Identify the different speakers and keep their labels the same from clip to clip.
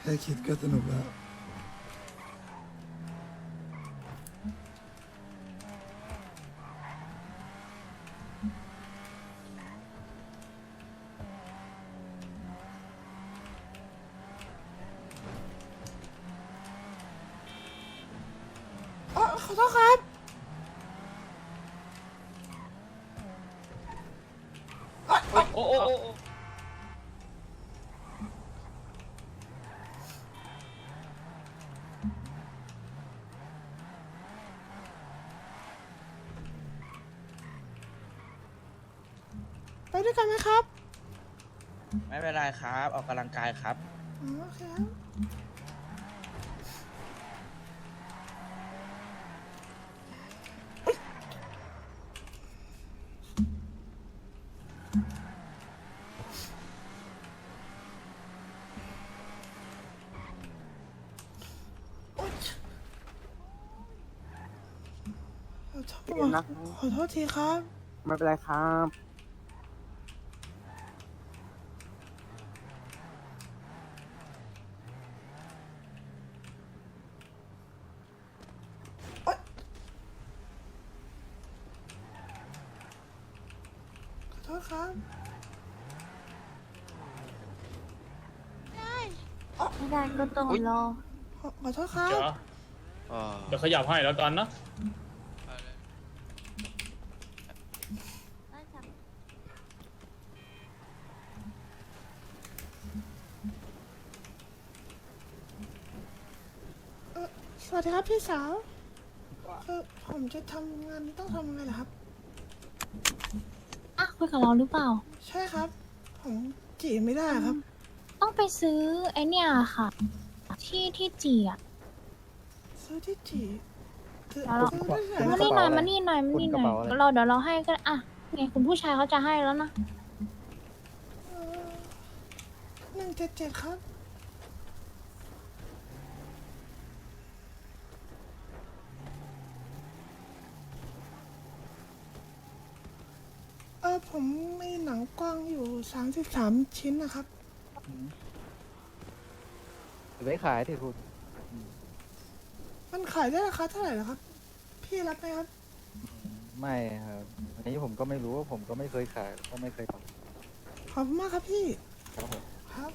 Speaker 1: แค่คิดก็สนุกแล้วอ๋อขอโทษครับ
Speaker 2: โอ้โอ้โอ้โอ้
Speaker 1: ไปด้วยกันไหมครับ
Speaker 2: ไม่เป็นไรครับ ออกกำลังกายครับ
Speaker 1: อ๋อโอเคครับโอ๊ยขอโทษขอโทษทีครับ
Speaker 3: ไม่เป็นไรครับ
Speaker 1: ขอโทษครับ
Speaker 4: ไม่ได้ก็ต้องรอ
Speaker 1: ขอโทษครับ
Speaker 5: จ๋าเดี๋ยวขยับให้แล้วกันนะ
Speaker 1: สวัสดีครับพี่สาวคือผมจะทำงานนี้ต้องทำยังไงล่ะครับ
Speaker 4: อ่ะคุยกับเราหรือเปล่า
Speaker 1: ใช่ครับ ผมจีบไม่ได้ครับ
Speaker 4: ต้องไปซื้อไอเนี่ยค่ะ ที่จีอ่ะ
Speaker 1: ซื้อที่จีบซื้อ
Speaker 4: แล้วเรา
Speaker 1: ซื้อที่ไหน
Speaker 4: มา
Speaker 1: ล่ะครับ
Speaker 4: นี่หน่อยมานี่หน่อยมานี่หน่อยเราเดี๋ยวเราให้ก็อ่ะไงคุณผู้ชายเขาจะให้แล้วนะ
Speaker 1: 177ครับ ผมมีหนังกว้างอยู่33ชิ้นนะครับ
Speaker 3: ไว้ขายที่คุณ
Speaker 1: มันขายได้ราคาเท่าไหร่ล่ะครับ พี่รับไหมครับ
Speaker 3: ไม่ครับอันนี้ผมก็ไม่รู้ว่าผมก็ไม่เคยขายก็ไม่เคยท
Speaker 1: ขอบคุณมากครับพี่
Speaker 3: ำครับผม
Speaker 1: ครับ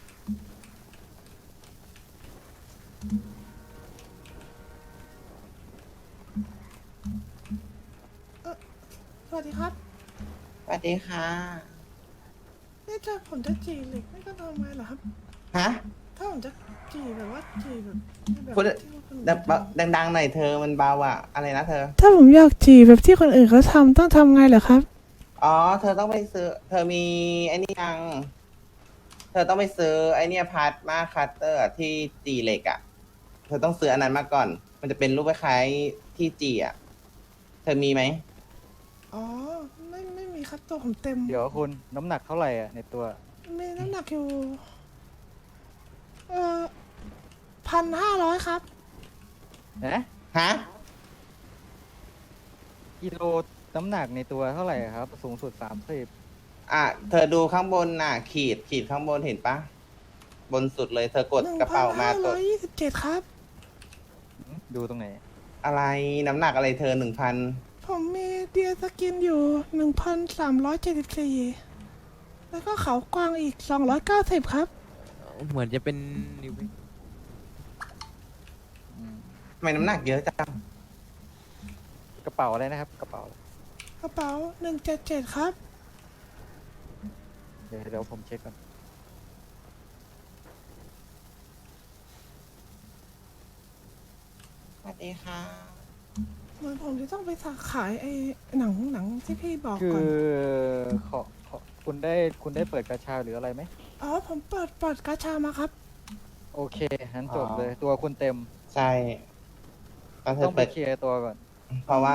Speaker 1: สวัสดีครับ
Speaker 6: สวัสดีค่ะ
Speaker 1: นี่ถ้าผมจะจีบเหล็กนี่ก็ทำไงเหรอครับ
Speaker 6: ฮะ
Speaker 1: ถ้าผมจะจีบแบบว่าจีบแบบ
Speaker 6: พูด
Speaker 1: ที่คนอื่น
Speaker 6: ดังๆหน่อยเธอมันเบาอ่ะ อะไรนะเธอ
Speaker 1: ถ้าผมอยากจีบแบบที่คนอื่นเขาทำต้องทำไงเหรอครับ
Speaker 6: อ๋อ เธอต้องไปซื้อ เธอมีไอ้นี่ยัง เธอต้องไปซื้อไอ้เนี่ยพาร์ทมาคัตเตอร์ที่จีเหล็กอ่ะ เธอต้องซื้ออันนั้นมาก่อน มันจะเป็นรูปคล้ายๆที่จีอ่ะ เธอมีไหม
Speaker 1: อ๋อ ไม่มีครับตัวผมเต็ม
Speaker 3: เดี๋ยวคุณน้ำหนักเท่าไหร่อ่ะในตัว
Speaker 1: มีน้ำหนักอยู่1,500ครับ
Speaker 3: นะ
Speaker 6: ฮะ
Speaker 3: กิโลน้ำหนักในตัวเท่าไหร่ครับ สูงสุด30
Speaker 6: อ่ะ เธอดูข้างบนน่ะ ขีดข้างบนเห็นปะ บนสุดเลย เธอกดกระเป๋ามากด
Speaker 1: 1,527ครับ
Speaker 3: ดูตรงไหน
Speaker 6: อะไร น้ำหนักอะไรเธอ1,000
Speaker 1: ผมมีเดียสกินอยู่1,374แล้วก็เขากวางอีก290ครับ
Speaker 2: เหมือนจะเป็นนิว
Speaker 6: ทำไมน้ำหนักเยอะจัง
Speaker 3: กระเป๋าอะไรนะครับ กระเป๋าอะไร
Speaker 1: กระเป๋า177ครับ
Speaker 3: เดี๋ยวผมเช็คก่อน
Speaker 6: สวัสดีค่ะ
Speaker 1: เหมือนผมจะต้องไปสักขายไอ้หนังที่พี่บอก
Speaker 3: คื
Speaker 1: ก่อน
Speaker 3: อขอคุณได้เปิดกระชาหรืออะไรไหม
Speaker 1: อ๋อ ผมเปิดกาชามาครับ
Speaker 3: โอเคงั้นจบ
Speaker 6: อ๋อ
Speaker 3: เลย ตัวคุณเต็ม
Speaker 6: ใช่ก็เธ
Speaker 3: ต้
Speaker 6: อ
Speaker 3: องไป
Speaker 6: เปิด
Speaker 3: เคลียร์ตัวก่อน
Speaker 6: เพราะว่า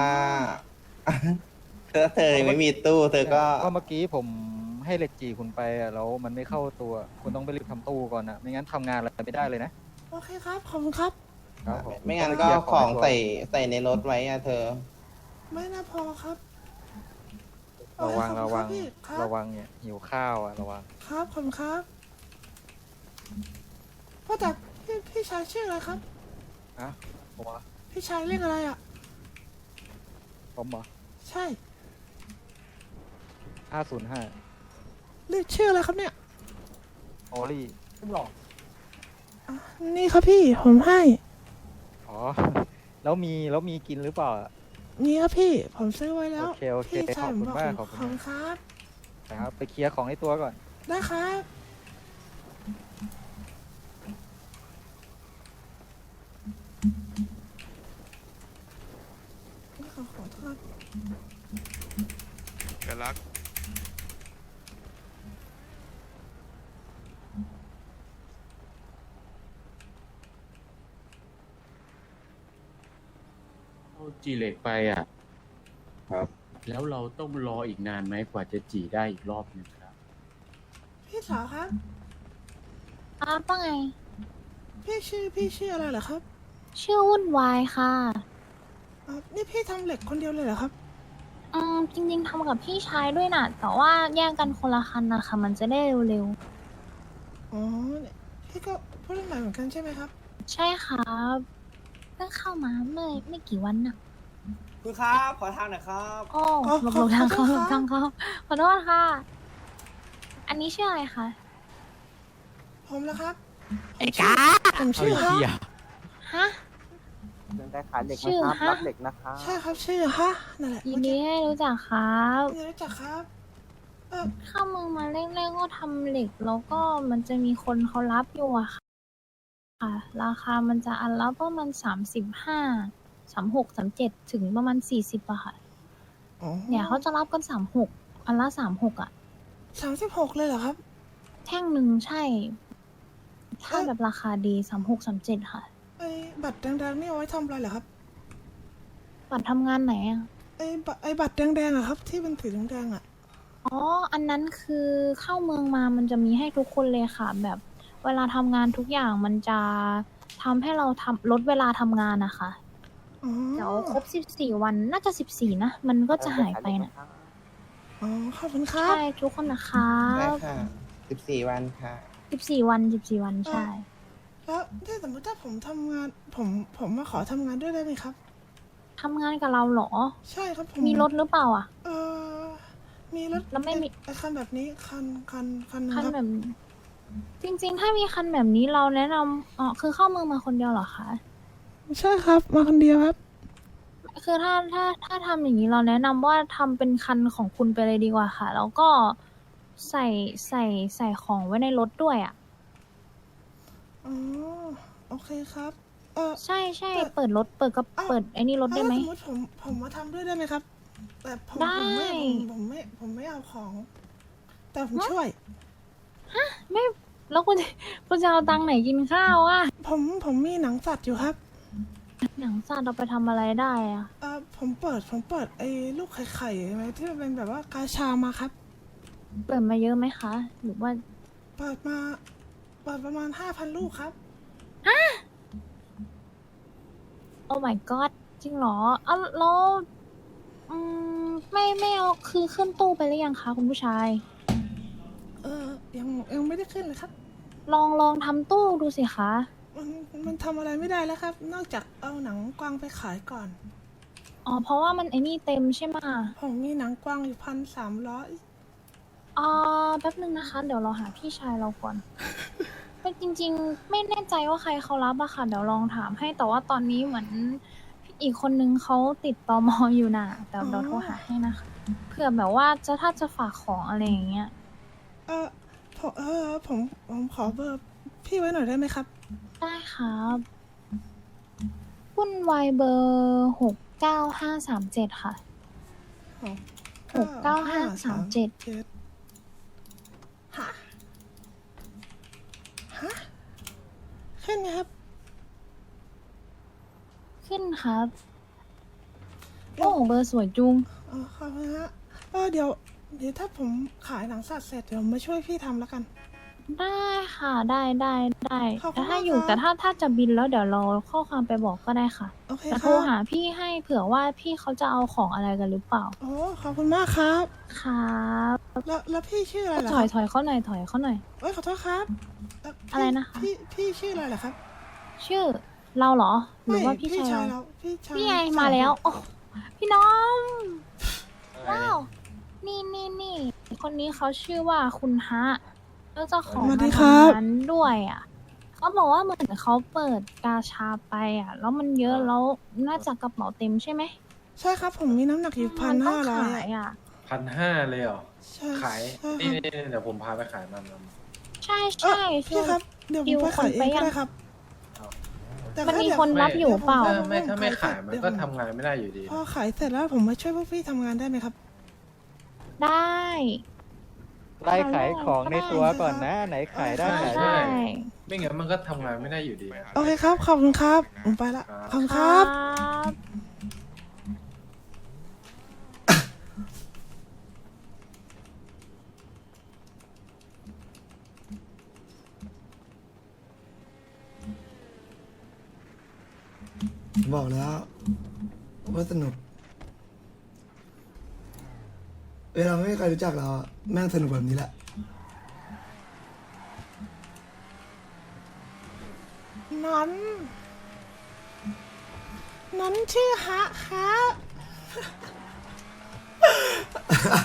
Speaker 6: เธอไม่มีตู้ เธอก็
Speaker 3: ก็เมื่อกี้ผมให้เหล็กจีคุณไปอะแล้วมันไม่เข้าตัว คุณต้องไปรีบทำตู้ก่อนนะไม่งั้นทำงานอะไรไม่ได้เลยนะ
Speaker 1: โอเคครับ ขอบคุณครับ
Speaker 3: ครับผม
Speaker 6: ไม่งั้นก็ของใส่ในรถไว้อะเธอ
Speaker 1: ไม่น่าพอครับ
Speaker 3: ระวัง
Speaker 1: โอเคขอบคุณครับพี่ครับ
Speaker 3: ระวังเนี่ยหิวข้าวอ่ะระวัง
Speaker 1: ครับ ขอบคุณครับพ่อจ๋าชายชื่ออะไรครับ
Speaker 3: อะผมเหรอ
Speaker 1: พี่ชายเรียกอะไรอ่ะ
Speaker 3: ผมเหรอ
Speaker 1: ใช่
Speaker 3: 505
Speaker 1: เรียกชื่ออะไรครับเนี่ย
Speaker 3: โอลี่ไม่หรอก
Speaker 1: อ่ะนี่ครับพี่ผมให้
Speaker 3: อ๋อ แล้วมีกินหรือเปล่าอะ
Speaker 1: นี่ครับพี่ผมซื้อไว้แล้ว
Speaker 3: โอเค
Speaker 1: พี่ชายผมบอก
Speaker 3: ขอบคุณมาก
Speaker 1: ขอบคุณครับ
Speaker 3: นะครับ ไปเคลียร์ของในตัวก่อน
Speaker 1: ได้ครับขอโทษ
Speaker 7: กันรัก
Speaker 5: เอาจีเหล็กไปอ่ะ
Speaker 6: ครับ
Speaker 5: แล้วเราต้องรออีกนานไหมกว่าจะจีได้อีกรอบหนึงครับ
Speaker 1: พี่สาวครับ
Speaker 4: ว่าไง
Speaker 1: พี่ชื่ออะไรเหรอครับ
Speaker 4: ชื่อวุ่นวายค่ะ
Speaker 1: นี่พี่ทำเหล็กคนเดียวเลยเหรอครับ
Speaker 4: จริงๆทำกับพี่ชายด้วยน่ะ แต่ว่าแยกกันคนละคันนะคะมันจะได้เร็ว
Speaker 1: อ๋อเนี่ยพี่ก็ผู้เล่นใหม่เหมือนกันใช่ไหมครับ
Speaker 4: ๆ ใช่ครับเพิ่งเข้ามาเมื่อไม่กี่วันน่ะ
Speaker 6: คุณครับขอทางหน่อยครับ
Speaker 4: โอ้
Speaker 1: อ๋อ
Speaker 4: หลบทางเขา
Speaker 1: ข
Speaker 4: ห
Speaker 1: อ
Speaker 4: ล
Speaker 1: โทษ
Speaker 4: บทางเขาขอโทษค่ะ อันนี้ชื่ออะไรคะ
Speaker 1: ผมแล้วครับไอ้กาผมชื่อฮะ
Speaker 4: ฮะ
Speaker 6: เรื่องการขายเหล็ก
Speaker 4: ชื่อ
Speaker 6: นะครับ
Speaker 4: ฮะ
Speaker 6: รับเหล็กนะคะ
Speaker 1: ใช่ครับชื่อฮะนั่นแหละ
Speaker 4: ยินดีให้รู้จักครับ
Speaker 1: เมื่อกี้รู้จักครับ
Speaker 4: เข้าเมืองมาแรกๆก็ทำเหล็ก แล้วก็มันจะมีคนเขารับอยู่อะค่ะ ราคามันจะอันละประมาณ35 36 37ถึงประมาณ40อะค่ะ
Speaker 1: อ๋อ
Speaker 4: เนี่ยเขาจะรับกัน36อันละ36อะ
Speaker 1: 36เลยเหรอครับ
Speaker 4: แท่งหนึ่งใช่ ถ้าแบบราคาดี36 37ค่ะ
Speaker 1: ไอ้บัตรแดงๆนี่เอาไว้ทำอะไรเหรอครับ
Speaker 4: บัตรทำงานไหนอะ
Speaker 1: ไอ้บัตรแดงๆอะครับ ที่เป็นสีแดงๆอะ
Speaker 4: อ๋อ อันนั้นคือเข้าเมืองมามันจะมีให้ทุกคนเลยค่ะ แบบเวลาทำงานทุกอย่างมันจะทำให้เราลดเวลาทำงานนะคะ
Speaker 1: อ๋อ
Speaker 4: เดี๋ยวครบ14 วันน่าจะ14นะ มันก็จะหายไปนะ
Speaker 1: อ๋อขอบคุณครั
Speaker 4: ใช่
Speaker 1: บ
Speaker 4: ทุกคนนะคะ
Speaker 6: ได้ค่ะ14 วันค่ะ
Speaker 4: 14 วัน14 วันใช่
Speaker 1: แล้วถ้าสมมติถ้าผมทำงานผมมาขอทำงานด้วยได้ไหมครับ
Speaker 4: ทำงานกับเราเหรอ
Speaker 1: ใช่ครับผม
Speaker 4: มีรถหรือเปล่าอ่ะ
Speaker 1: เออมีรถ
Speaker 4: แล้วไม่มี
Speaker 1: ไอ้คันแบบนี้คันหนึง
Speaker 4: คัน
Speaker 1: ครับ
Speaker 4: แบบนี้จริงๆ ถ้ามีคันแบบนี้เราแนะนำอ๋อคือเข้าเมืองมาคนเดียวเหรอคะ
Speaker 1: ใช่ครับมาคนเดียวครับ
Speaker 4: คือถ้าทำอย่างนี้เราแนะนำว่าทำเป็นคันของคุณไปเลยดีกว่าค่ะ แล้วก็ใส่ของไว้ในรถด้วยอ่ะ
Speaker 1: อ๋อโอเคครับ
Speaker 4: ใช่เปิดรถเปิดไอ้นี่รถได้ไหม
Speaker 1: ถ้าสมมติผมมาทำด้วยได้ไหมครับ แต่ผม
Speaker 4: ได้
Speaker 1: ผมไม่เอาของ แต่ผมช่วย
Speaker 4: ไม่แล้วคุณจะเอาตังค์ไหนกินข้าวอ่ะ
Speaker 1: ผมมีหนังสัตว์อยู่ครับ
Speaker 4: หนังสัตว์เราไปทำอะไรได้อ่ะ
Speaker 1: ผมเปิดไอ้ลูกไข่ๆไหมที่มันเป็นแบบว่ากาชามาครับ
Speaker 4: เปิดมาเยอะไหมคะ หรือว่า
Speaker 1: เปิดประมาณ 5,000 ลูกครับ
Speaker 4: โอ้ my god จริงเหรอเอาแล้วไม่เอาคือขึ้นตู้ไปหรือยังคะคุณผู้ชาย
Speaker 1: ยังไม่ได้ขึ้นเลยครับ
Speaker 4: ลองทำตู้ดูสิคะ
Speaker 1: มันทำอะไรไม่ได้แล้วครับ นอกจากเอาหนังกวางไปขายก่อน
Speaker 4: อ๋อเพราะว่ามันไอ้นี่เต็มใช่ไหม
Speaker 1: ผมมีหนังกวางอยู่1,300
Speaker 4: แป๊บนึงนะคะ เดี๋ยวเราหาพี่ชายเราก่อน เป็นจริงๆ ไม่แน่ใจว่าใครเขารับอะค่ะ เดี๋ยวลองถามให้แต่ว่าตอนนี้เหมือนอีกคนนึงเขาติดตมอยู่น่ะแต่เดี๋ยวโทรหาให้นะคะเผื่อแบบว่าถ้าจะฝากของอะไรอย่างเงี้ย
Speaker 1: ผมขอเบอร์พี่ไว้หน่อยได้ไหมครับ
Speaker 4: ได้ครับวุ่นวายเบอร์69537ค่ะ69537
Speaker 1: ฮะขึ้นไหมครับ
Speaker 4: ขึ้นครับโอ้เบอร์สวยจุง
Speaker 1: ขอบคุณฮะเดี๋ยวถ้าผมขายหนังสัตว์เสร็จเดี๋ยวมาช่วยพี่ทำแล้วกัน
Speaker 4: ได้ค่ะได้
Speaker 1: ขอบคุณ
Speaker 4: แต่ถ้า
Speaker 1: มาก
Speaker 4: อยู่
Speaker 1: ครับ
Speaker 4: แต่ถ้าจะบินแล้วเดี๋ยวเราข้อความไปบอกก็ได้ค่ะ
Speaker 1: โอเค
Speaker 4: แต่
Speaker 1: ค
Speaker 4: โทร
Speaker 1: รับ
Speaker 4: หาพี่ให้เผื่อว่าพี่เขาจะเอาของอะไรกันหรือเปล่า
Speaker 1: โอ้ขอบคุณมากครับ
Speaker 4: ครับ
Speaker 1: แล้วพี่ชื่ออะไรเหรอ
Speaker 4: ถ
Speaker 1: ค
Speaker 4: อ
Speaker 1: รั
Speaker 4: ยเขาหน่อยถอยเขาหน่อย
Speaker 1: เอ้ยขอโทษครับพี่
Speaker 4: อะไรนะคะ
Speaker 1: พี่ชื่ออะไรเหรอครับ
Speaker 4: ชื่อเราเหรอ หรือว่า
Speaker 1: ไม่
Speaker 4: พี่ชายเรา
Speaker 1: เราพี่ชาย
Speaker 4: พี่ไงมาแล้ว โอ้พี่น้อง ว้าว นี่ คนนี้เขาชื่อว่าคุณฮะแล้วเจะของ
Speaker 1: สวัส
Speaker 4: มา
Speaker 1: ดีครับ
Speaker 4: ทำงานด้วยอ่ะเขาบอกว่าเหมือนเขาเปิดกาชาไปอ่ะ แล้วมันเยอะแล้วน่าจะกระเป๋าเต็มใช่ไหม
Speaker 1: ใช่ครับผมมีน้ำหนักอยู่
Speaker 4: มันต้อง
Speaker 1: 1,500
Speaker 4: ขายอ่ะ
Speaker 5: 1,500เลยเหรอ
Speaker 1: ใช่
Speaker 5: ขาย
Speaker 1: ใช่
Speaker 5: นี่
Speaker 1: ครับ
Speaker 5: เดี๋ยวผมพาไปขายมัน
Speaker 4: ใช่
Speaker 1: เอ้อ
Speaker 4: ใช่
Speaker 1: พี่ครับ เดี๋ยวผมไปขายเองก็ได้ครับแต่
Speaker 4: มัน
Speaker 1: ก็
Speaker 4: มี
Speaker 1: เดี๋ยว
Speaker 4: คนรับอยู่เปล่า
Speaker 5: ถ้าไม่ขายมันก็ทำงานไม่ได้อยู่ดี
Speaker 1: พอขายเสร็จแล้วผมมาช่วยพวกพี่ทำงานได้ไหมครับ
Speaker 4: ได้
Speaker 3: ไล่ขายของในตัวก่อนนะ ไหนขายได้
Speaker 5: ใช่
Speaker 3: ขาย
Speaker 4: ใช่
Speaker 3: ได้
Speaker 5: ไม่งั้นมันก็ทำงานไม่ได้อยู่ดี
Speaker 1: โอเคครับ ขอบคุณครับ ผมไปละ ขอบคุณครับ
Speaker 4: บ
Speaker 7: บอกแล้วว่าสนุก เวลาไม่มีใครรู้จักเราอะแม่งสนุกแบบนี้แหละ
Speaker 1: นั้นชื่อฮะ